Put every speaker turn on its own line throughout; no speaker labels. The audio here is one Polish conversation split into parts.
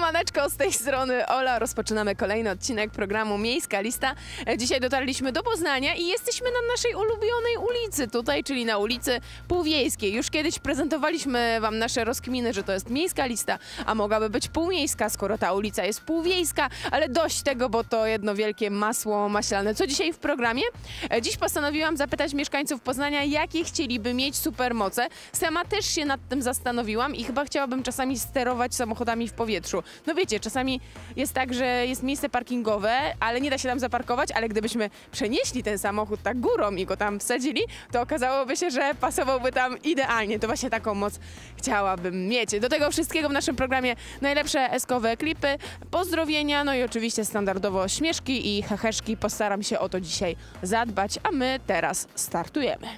Siemaneczko, z tej strony Ola. Rozpoczynamy kolejny odcinek programu Miejska Lista. Dzisiaj dotarliśmy do Poznania i jesteśmy na naszej ulubionej ulicy tutaj, czyli na ulicy Półwiejskiej. Już kiedyś prezentowaliśmy wam nasze rozkminy, że to jest miejska lista, a mogłaby być półmiejska, skoro ta ulica jest półwiejska, ale dość tego, bo to jedno wielkie masło maślane. Co dzisiaj w programie? Dziś postanowiłam zapytać mieszkańców Poznania, jakie chcieliby mieć supermoce. Sama też się nad tym zastanowiłam i chyba chciałabym czasami sterować samochodami w powietrzu. No wiecie, czasami jest tak, że jest miejsce parkingowe, ale nie da się tam zaparkować, ale gdybyśmy przenieśli ten samochód tak górą i go tam wsadzili, to okazałoby się, że pasowałby tam idealnie. To właśnie taką moc chciałabym mieć. Do tego wszystkiego w naszym programie najlepsze eskowe klipy, pozdrowienia, no i oczywiście standardowo śmieszki i heheszki. Postaram się o to dzisiaj zadbać, a my teraz startujemy.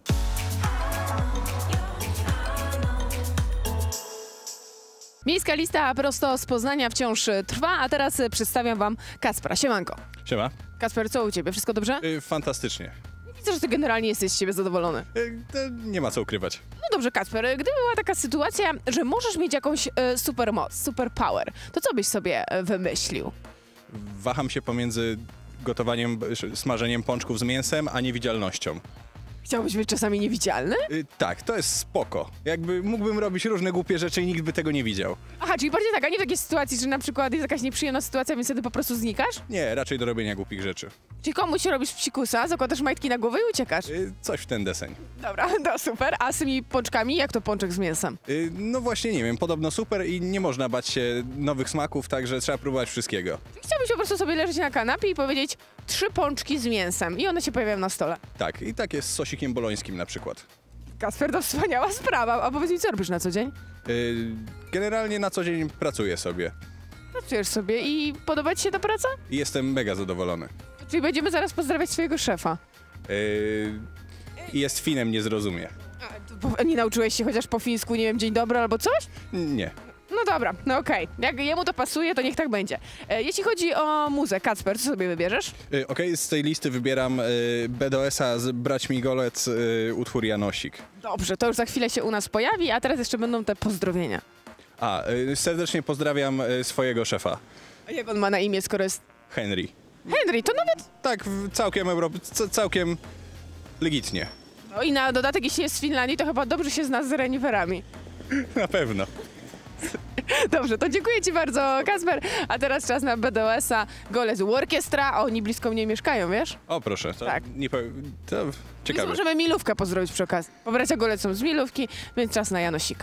Miejska lista prosto z Poznania wciąż trwa, a teraz przedstawiam wam Kacpra. Siemanko.
Siema.
Kacper, co u ciebie? Wszystko dobrze?
Fantastycznie.
Widzę, że ty generalnie jesteś z siebie zadowolony.
Nie ma co ukrywać.
No dobrze, Kacper, gdyby była taka sytuacja, że możesz mieć jakąś supermoc, superpower, to co byś sobie wymyślił?
Waham się pomiędzy gotowaniem, smażeniem pączków z mięsem, a niewidzialnością.
Chciałbyś być czasami niewidzialny?
Tak, to jest spoko. Jakby mógłbym robić różne głupie rzeczy i nikt by tego nie widział.
Aha, czyli bardziej tak, a nie w takiej sytuacji, że na przykład jest jakaś nieprzyjemna sytuacja, więc wtedy po prostu znikasz?
Nie, raczej do robienia głupich rzeczy.
Czyli komuś robisz psikusa, zakładasz majtki na głowę i uciekasz?
Coś w ten deseń.
Dobra, to super. A z tymi pączkami, jak to pączek z mięsem?
No właśnie, nie wiem, podobno super i nie można bać się nowych smaków, także trzeba próbować wszystkiego.
Chciałbyś po prostu sobie leżeć na kanapie i powiedzieć 3 pączki z mięsem i one się pojawiają na stole.
Tak, i tak jest z sosikiem bolońskim na przykład.
Kasper, to wspaniała sprawa. A powiedz mi, co robisz na co dzień?
Generalnie na co dzień pracuję sobie
Pracujesz sobie i podoba ci się ta praca?
i jestem mega zadowolony.
Czyli będziemy zaraz pozdrawiać swojego szefa.
I jest Finem, nie zrozumie.
Nie nauczyłeś się chociaż po fińsku, nie wiem, dzień dobry albo coś?
Nie.
No dobra, no okej. Jak jemu to pasuje, to niech tak będzie. Jeśli chodzi o muzę, Kacper, co sobie wybierzesz?
Okej, z tej listy wybieram BDS-a z Braćmi Golec, utwór Janosik.
Dobrze, to już za chwilę się u nas pojawi, a teraz jeszcze będą te pozdrowienia.
Serdecznie pozdrawiam swojego szefa,
A jak on ma na imię, skoro jest
Henry.
Henry, to nawet...
Tak, całkiem legitnie.
No i na dodatek, jeśli jest z Finlandii, to chyba dobrze się zna z reniferami.
Na pewno.
Dobrze, to dziękuję ci bardzo, Kacper. A teraz czas na BDS-a Golec Orkiestra, a oni blisko mnie mieszkają, wiesz?
O proszę, to
Tak.
nie powiem, to
Więc
ciekawe.
możemy Milówkę pozdrowić przy okazji. Bo bracia Golec są z Milówki, więc czas na Janosika.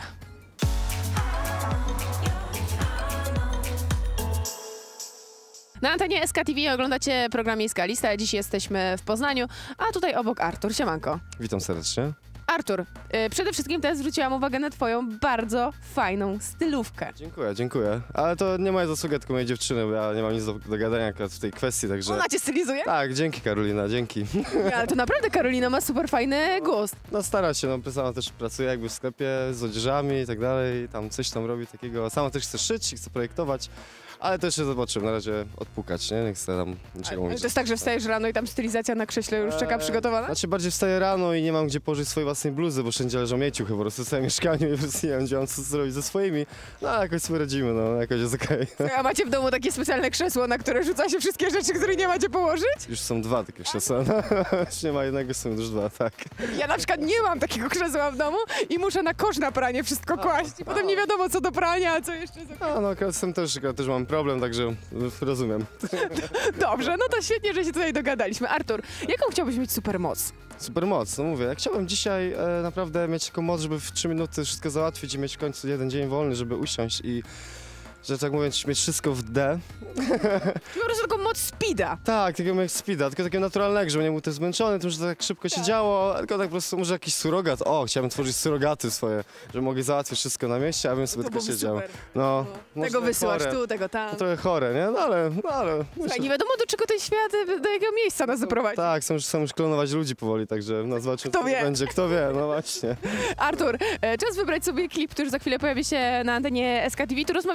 Na antenie SK TV oglądacie program Miejska Lista. Dziś jesteśmy w Poznaniu, a tutaj obok Artur. Siemanko.
Witam serdecznie.
Artur, przede wszystkim teraz zwróciłam uwagę na twoją bardzo fajną stylówkę.
Dziękuję. Ale to nie moja zasługa, tylko mojej dziewczyny, bo ja nie mam nic do gadania akurat w tej kwestii, także...
Ona cię stylizuje?
Tak, dzięki Karolina, dzięki.
Ale to naprawdę Karolina ma super fajny głos.
No stara się, no sama też pracuje jakby w sklepie z odzieżami i tak dalej, tam coś tam robi takiego. Sama też chce szyć i chce projektować, ale też się zobaczymy, na razie odpukać, nie? Nie chcę tam niczego mówić.
To jest tak, że wstajesz rano i tam stylizacja na krześle już czeka przygotowana?
Znaczy bardziej wstaję rano i nie mam gdzie położyć swojej własnej bluzy, bo wszędzie leżą mieciuchy po prostu w całym mieszkaniu i po prostu nie wiem, gdzie mam co zrobić ze swoimi. No ale jakoś sobie radzimy, no jakoś jest okej.
A macie w domu takie specjalne krzesło, na które rzuca się wszystkie rzeczy, których nie macie położyć?
Już są 2 takie krzesła, no. Już nie ma jednego, są już 2, tak.
Ja na przykład nie mam takiego krzesła w domu i muszę na kosz na pranie wszystko kłaść. I potem nie wiadomo co do prania, a co jeszcze za...
No akurat z tym też mam problem, także rozumiem.
Dobrze, no to świetnie, że się tutaj dogadaliśmy. Artur, jaką chciałbyś mieć supermoc?
Supermoc, no mówię, ja chciałbym dzisiaj naprawdę mieć taką moc, żeby w 3 minuty wszystko załatwić i mieć w końcu jeden dzień wolny, żeby usiąść i, że tak mówiąc, mieć wszystko w D.
Po prostu taką moc speeda.
Tak, takiego jak speeda, tylko takiego naturalnego, żeby nie był też zmęczony tym, że tak szybko się działo, tylko tak po prostu może jakiś surogat. O, chciałbym tworzyć surogaty swoje, żeby mogli załatwić wszystko na mieście, a bym sobie
To
tylko
byłoby
siedział.
super.
No, może
Tego
tak
wysyłasz
chore.
tu, tego tam.
To trochę chore, nie? No ale...
Słuchaj, nie wiadomo do czego ten świat, do jakiego miejsca nas zaprowadzi.
Tak, chcą już klonować ludzi powoli, także no zobaczymy,
Kto
co
wie?
będzie. Kto wie, no właśnie.
Artur, czas wybrać sobie klip, który za chwilę pojawi się na antenie SK TV. Tu rozmawialiśmy, że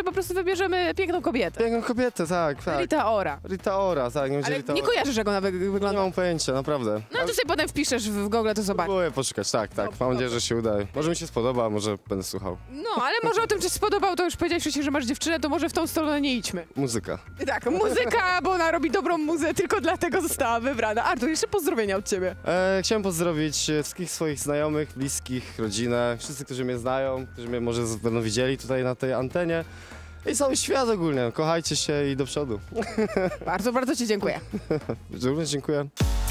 że po prostu wybierzemy piękną kobietę.
Piękną kobietę, tak.
Rita Ora.
Rita Ora, tak. Nie, będzie
Ale
Rita
nie
Ora.
kojarzysz, jak ona
Nie
wygląda.
mam pojęcia, naprawdę.
No to sobie potem wpiszesz w Google, to zobacz.
Próbuję poszukać, tak. Mam nadzieję, że się uda. Może mi się spodoba, może będę słuchał.
No, ale może o tym, czy spodobał, to już powiedziałeś wcześniej, że masz dziewczynę, to może w tą stronę nie idźmy.
Muzyka.
Tak, muzyka, bo ona robi dobrą muzę, tylko dlatego została wybrana. Artur, jeszcze pozdrowienia od ciebie.
Chciałem pozdrowić wszystkich swoich znajomych, bliskich, rodzinę, wszyscy, którzy mnie znają, którzy mnie może będą widzieli tutaj na tej antenie. I cały świat ogólnie. Kochajcie się i do przodu.
Bardzo, bardzo ci dziękuję.
Również dziękuję.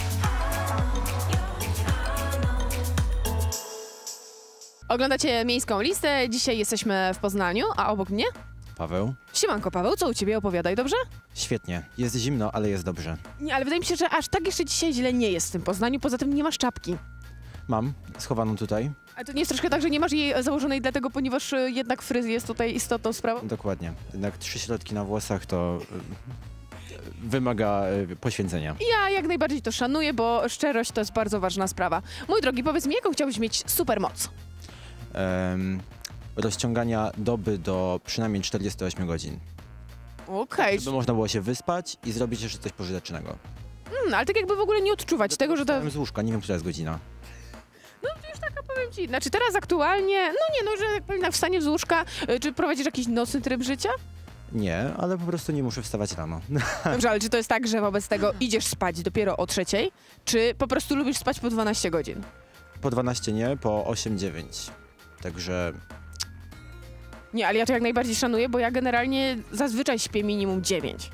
Oglądacie Miejską Listę, dzisiaj jesteśmy w Poznaniu, a obok mnie?
Paweł?
Siemanko Paweł, co u ciebie? Opowiadaj, dobrze?
Świetnie. Jest zimno, ale jest dobrze.
Nie, ale wydaje mi się, że aż tak jeszcze dzisiaj źle nie jest w tym Poznaniu, poza tym nie masz czapki.
Mam schowaną tutaj.
A to nie jest troszkę tak, że nie masz jej założonej dlatego, ponieważ jednak fryz jest tutaj istotną sprawą?
Dokładnie. Jednak 3 środki na włosach to wymaga poświęcenia.
Ja jak najbardziej to szanuję, bo szczerość to jest bardzo ważna sprawa. Mój drogi, powiedz mi, jaką chciałbyś mieć supermoc?
Rozciągania doby do przynajmniej 48 godzin.
Okej,
Żeby można było się wyspać i zrobić jeszcze coś pożytecznego.
ale tak jakby w ogóle nie odczuwać tego, że to...
Wstałem z łóżka, nie wiem, która jest godzina.
Powiem ci, znaczy teraz aktualnie, że jak powiem, na wstanie z łóżka, czy prowadzisz jakiś nocny tryb życia?
Nie, ale po prostu nie muszę wstawać rano.
Dobrze, ale czy to jest tak, że wobec tego idziesz spać dopiero o 3:00, czy po prostu lubisz spać po 12 godzin?
Po 12 nie, po 8-9. Także
Nie, ale ja to jak najbardziej szanuję, bo ja generalnie zazwyczaj śpię minimum 9.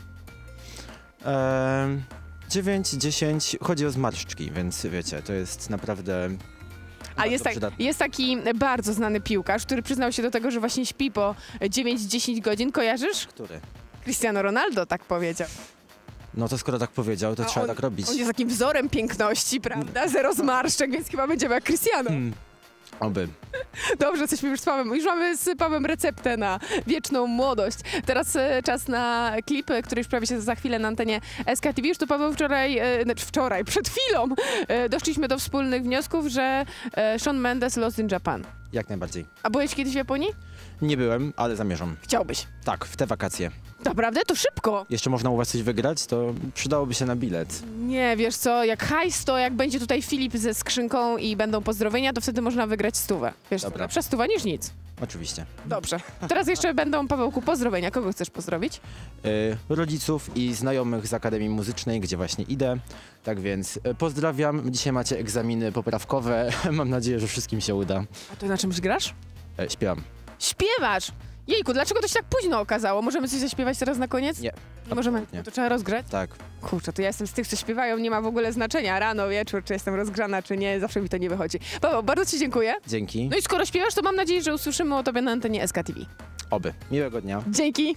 9-10, chodzi o zmarszczki, więc wiecie, to jest naprawdę
A jest taki bardzo znany piłkarz, który przyznał się do tego, że właśnie śpi po 9-10 godzin. Kojarzysz?
Który?
Cristiano Ronaldo tak powiedział.
No to skoro tak powiedział, to trzeba tak robić.
On jest takim wzorem piękności, prawda? Zero zmarszczek, więc chyba będziemy jak Cristiano.
Oby.
Dobrze, jesteśmy już z Pawłem. Już mamy z Pawłem receptę na wieczną młodość. Teraz czas na klip, który już prawie się za chwilę na antenie SKTV. Już to Paweł wczoraj, przed chwilą doszliśmy do wspólnych wniosków, że Shawn Mendes Lost in Japan.
Jak najbardziej.
A byłeś kiedyś w Japonii?
Nie byłem, ale zamierzam.
Chciałbyś.
Tak, w te wakacje.
Naprawdę? To szybko.
Jeszcze można u was coś wygrać, to przydałoby się na bilet.
Nie, wiesz co, jak hajs, to jak będzie tutaj Filip ze skrzynką i będą pozdrowienia, to wtedy można wygrać 100. Wiesz co,
Dobra.
lepsza 100 niż nic.
Oczywiście.
Dobrze. Teraz jeszcze będą, Pawełku, pozdrowienia. Kogo chcesz pozdrowić?
Rodziców i znajomych z Akademii Muzycznej, gdzie właśnie idę. Tak więc pozdrawiam. Dzisiaj macie egzaminy poprawkowe. Mam nadzieję, że wszystkim się uda.
A to na czymś grasz?
Śpiewam.
Śpiewasz! Jejku, dlaczego to się tak późno okazało? Możemy coś zaśpiewać teraz na koniec?
Nie.
Nie możemy?
absolutnie.
No to trzeba rozgrać?
Tak.
Kurczę, to ja jestem z tych, co śpiewają, nie ma w ogóle znaczenia. Rano, wieczór, czy jestem rozgrzana, czy nie, zawsze mi to nie wychodzi. Paweł, bardzo ci dziękuję.
Dzięki.
No i skoro śpiewasz, to mam nadzieję, że usłyszymy o tobie na antenie SKTV.
Oby. Miłego dnia.
Dzięki!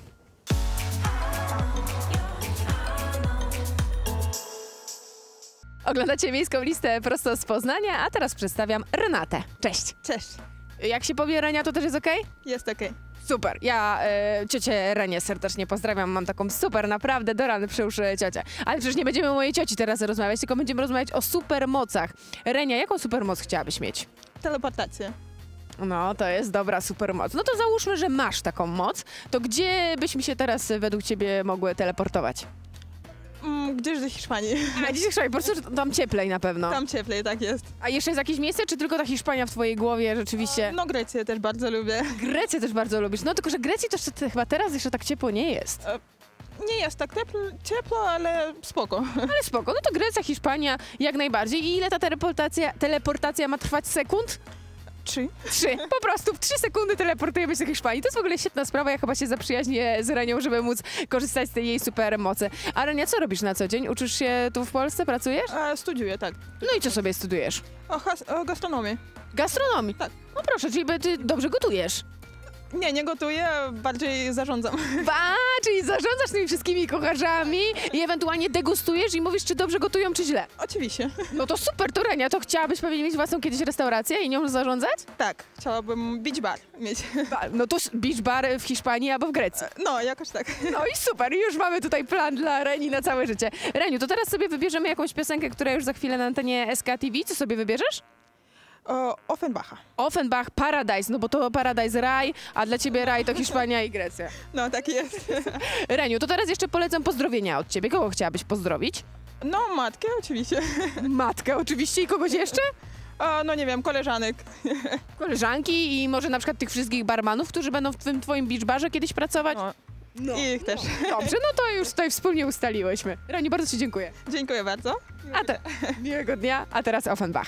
Oglądacie Miejską Listę prosto z Poznania, a teraz przedstawiam Renatę. Cześć!
Cześć,
Jak się powie Renia, to też jest okej?
jest okej.
Super, ja ciocię Renię serdecznie pozdrawiam, mam taką super, naprawdę do rany przyłóż ciocię. Ale przecież nie będziemy o mojej cioci teraz rozmawiać, tylko będziemy rozmawiać o supermocach. Renia, jaką supermoc chciałabyś mieć?
Teleportacja.
No, to jest dobra supermoc. No to załóżmy, że masz taką moc, to gdzie byśmy się teraz według ciebie mogły teleportować?
Gdzieś do Hiszpanii.
A dziś po prostu tam cieplej na pewno.
Tam cieplej, tak jest.
A jeszcze jest jakieś miejsce, czy tylko ta Hiszpania w twojej głowie rzeczywiście?
No Grecję też bardzo lubię.
Grecję też bardzo lubisz. No tylko, że Grecji to jeszcze chyba teraz jeszcze tak ciepło nie jest.
Nie jest tak ciepło, ale spoko.
Ale spoko, no to Grecja, Hiszpania jak najbardziej. I ile ta teleportacja ma trwać sekund?
3.
3. Po prostu w 3 sekundy teleportujemy się do Hiszpanii. To jest w ogóle świetna sprawa. Ja chyba się zaprzyjaźnię z Renią, żeby móc korzystać z tej jej super mocy. A Renia, co robisz na co dzień? Uczysz się tu w Polsce? Pracujesz?
Studiuję, tak.
No i co sobie studujesz?
O gastronomii.
Gastronomii?
Tak.
No proszę, czyli ty dobrze gotujesz.
Nie gotuję, bardziej zarządzam.
Czyli zarządzasz tymi wszystkimi kucharzami i ewentualnie degustujesz i mówisz, czy dobrze gotują, czy źle.
Oczywiście.
No to super, to Renia, to chciałabyś pewnie mieć własną kiedyś restaurację i nią zarządzać?
Tak, chciałabym beach bar mieć.
No to beach bar w Hiszpanii albo w Grecji.
No, jakoś tak.
No i super, już mamy tutaj plan dla Reni na całe życie. Reniu, to teraz sobie wybierzemy jakąś piosenkę, która już za chwilę na antenie SKTV. Co sobie wybierzesz?
Offenbacha.
Offenbach, Paradise, no bo to Paradise raj, a dla ciebie raj to Hiszpania i Grecja.
No, tak jest.
Reniu, to teraz jeszcze polecam pozdrowienia od ciebie. Kogo chciałabyś pozdrowić?
No, matkę oczywiście.
Matkę oczywiście i kogoś jeszcze?
No nie wiem, koleżanek.
Koleżanki i może na przykład tych wszystkich barmanów, którzy będą w tym twoim beach barze kiedyś pracować?
No. I ich też.
Dobrze, no to już tutaj wspólnie ustaliłyśmy. Reniu, bardzo ci dziękuję.
Dziękuję bardzo.
Miłego dnia, a teraz Offenbach.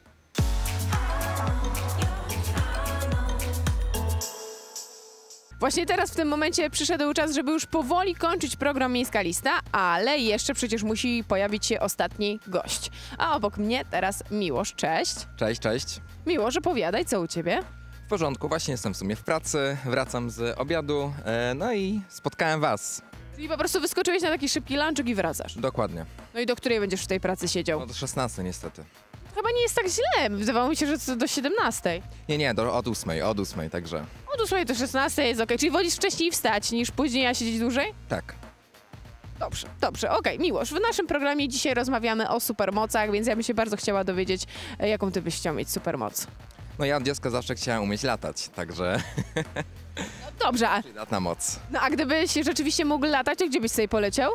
Właśnie teraz w tym momencie przyszedł czas, żeby już powoli kończyć program Miejska Lista, ale jeszcze przecież musi pojawić się ostatni gość. A obok mnie teraz Miłosz, cześć.
Cześć, cześć.
Miłosz, opowiadaj, co u ciebie?
W porządku, właśnie jestem w sumie w pracy, wracam z obiadu, no i spotkałem was.
Czyli po prostu wyskoczyłeś na taki szybki lunchek i wracasz.
Dokładnie.
No i do której będziesz w tej pracy siedział?
No do 16 niestety.
Chyba nie jest tak źle, wydawało mi się, że to do 17.
Nie, od 8, także
Od 8 do 16 jest okej. Czyli wolisz wcześniej wstać niż później, a siedzieć dłużej?
tak.
Dobrze, okej. Miłosz, w naszym programie dzisiaj rozmawiamy o supermocach, więc ja bym się bardzo chciała dowiedzieć, jaką ty byś chciał mieć supermoc.
No ja od dziecka zawsze chciałem umieć latać, także
Dobrze,
przydatna moc.
no a gdybyś rzeczywiście mógł latać, to gdzie byś sobie poleciał?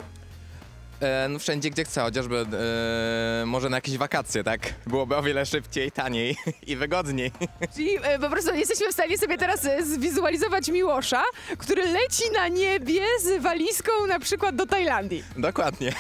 No wszędzie gdzie chcę, chociażby może na jakieś wakacje, tak? Byłoby o wiele szybciej, taniej i wygodniej.
Czyli po prostu jesteśmy w stanie sobie teraz zwizualizować Miłosza, który leci na niebie z walizką na przykład do Tajlandii.
Dokładnie.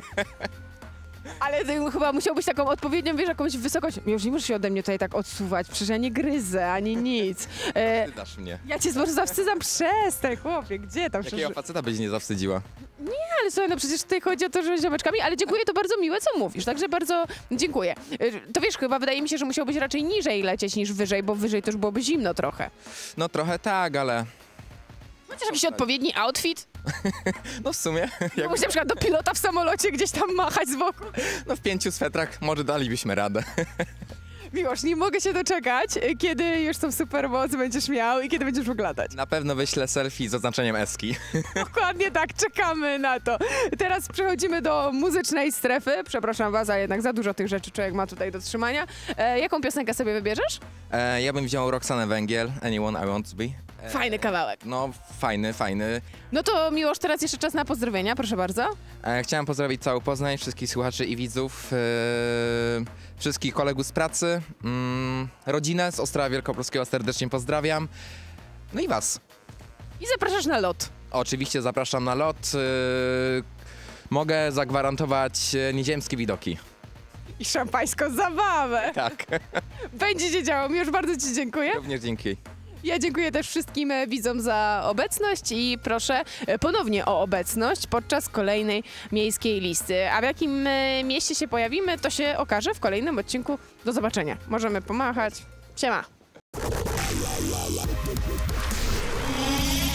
Ale ty chyba musiałbyś taką odpowiednią, wiesz, jakąś wysokość. Już nie możesz się ode mnie tutaj tak odsuwać, przecież ja nie gryzę, ani nic.
Ty dasz mnie.
Ja cię może zawstydzam, przestań, chłopie, gdzie tam?
Jakiego faceta byś nie zawstydziła?
Ale słuchaj, no przecież tutaj chodzi o to, że z ziomeczkami, ale dziękuję, to bardzo miłe, co mówisz, także bardzo dziękuję. To wiesz, chyba wydaje mi się, że musiałbyś raczej niżej lecieć niż wyżej, bo wyżej to już byłoby zimno trochę.
No trochę tak, ale
Chociaż jakiś odpowiedni outfit?
no w sumie jak,
Mógłbyś na przykład do pilota w samolocie gdzieś tam machać z boku.
no w 5 swetrach może dalibyśmy radę.
Miłosz, nie mogę się doczekać, kiedy już tą supermoc będziesz miał i kiedy będziesz mógł latać.
Na pewno wyślę selfie z oznaczeniem eski.
Dokładnie tak, czekamy na to. Teraz przechodzimy do muzycznej strefy. Przepraszam was, ale jednak za dużo tych rzeczy człowiek ma tutaj do trzymania. Jaką piosenkę sobie wybierzesz?
Ja bym wziął Roxanę Węgiel, Anyone I Want To Be.
Fajny kawałek.
No fajny.
No to Miłosz, teraz jeszcze czas na pozdrowienia, proszę bardzo.
Chciałem pozdrowić cały Poznań, wszystkich słuchaczy i widzów, wszystkich kolegów z pracy, rodzinę z Ostrowa Wielkopolskiego serdecznie pozdrawiam. No i was.
I zapraszasz na lot.
Oczywiście zapraszam na lot. Mogę zagwarantować nieziemskie widoki.
I szampańską zabawę.
Tak,
Będzie się działo. Miłosz, bardzo ci dziękuję.
również dzięki.
Ja dziękuję też wszystkim widzom za obecność i proszę ponownie o obecność podczas kolejnej miejskiej listy. A w jakim mieście się pojawimy, to się okaże w kolejnym odcinku. Do zobaczenia. Możemy pomachać. Siema.